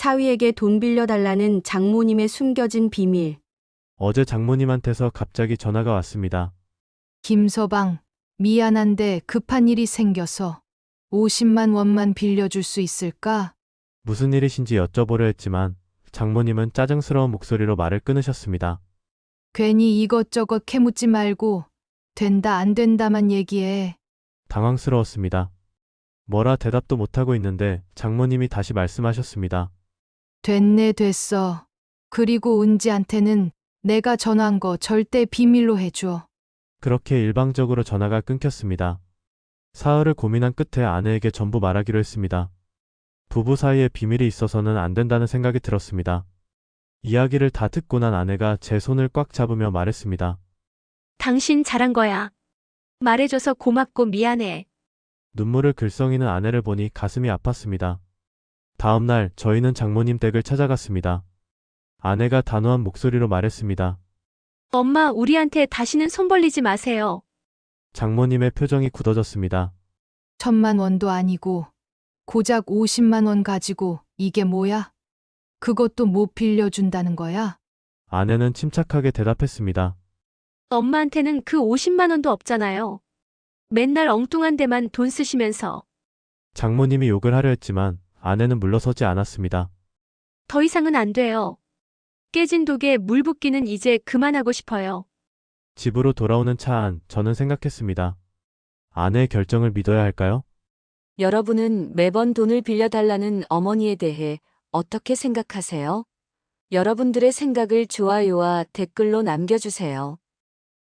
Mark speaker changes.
Speaker 1: 사위에게 돈 빌려달라는 장모님의 숨겨진 비밀.
Speaker 2: 어제 장모님한테서 갑자기 전화가 왔습니다.
Speaker 3: 김서방, 미안한데 급한 일이 생겨서 50만 원만 빌려줄 수 있을까?
Speaker 2: 무슨 일이신지 여쭤보려 했지만 장모님은 짜증스러운 목소리로 말을 끊으셨습니다.
Speaker 3: 괜히 이것저것 캐묻지 말고 된다 안 된다만 얘기해.
Speaker 2: 당황스러웠습니다. 뭐라 대답도 못하고 있는데 장모님이 다시 말씀하셨습니다.
Speaker 3: 됐네 됐어. 그리고 은지한테는 내가 전화한 거 절대 비밀로 해줘.
Speaker 2: 그렇게 일방적으로 전화가 끊겼습니다. 사흘을 고민한 끝에 아내에게 전부 말하기로 했습니다. 부부 사이에 비밀이 있어서는 안 된다는 생각이 들었습니다. 이야기를 다 듣고 난 아내가 제 손을 꽉 잡으며 말했습니다.
Speaker 4: 당신 잘한 거야. 말해줘서 고맙고 미안해.
Speaker 2: 눈물을 글썽이는 아내를 보니 가슴이 아팠습니다. 다음 날 저희는 장모님 댁을 찾아갔습니다. 아내가 단호한 목소리로 말했습니다.
Speaker 4: 엄마, 우리한테 다시는 손 벌리지 마세요.
Speaker 2: 장모님의 표정이 굳어졌습니다.
Speaker 3: 1,000만 원도 아니고 고작 50만 원 가지고 이게 뭐야? 그것도 못 빌려준다는 거야?
Speaker 2: 아내는 침착하게 대답했습니다.
Speaker 4: 엄마한테는 그 50만 원도 없잖아요. 맨날 엉뚱한 데만 돈 쓰시면서.
Speaker 2: 장모님이 욕을 하려 했지만 아내는 물러서지 않았습니다.
Speaker 4: 더 이상은 안 돼요. 깨진 독에 물 붓기는 이제 그만하고 싶어요.
Speaker 2: 집으로 돌아오는 차 안 저는 생각했습니다. 아내의 결정을 믿어야 할까요?
Speaker 5: 여러분은 매번 돈을 빌려달라는 어머니에 대해 어떻게 생각하세요? 여러분들의 생각을 좋아요와 댓글로 남겨주세요.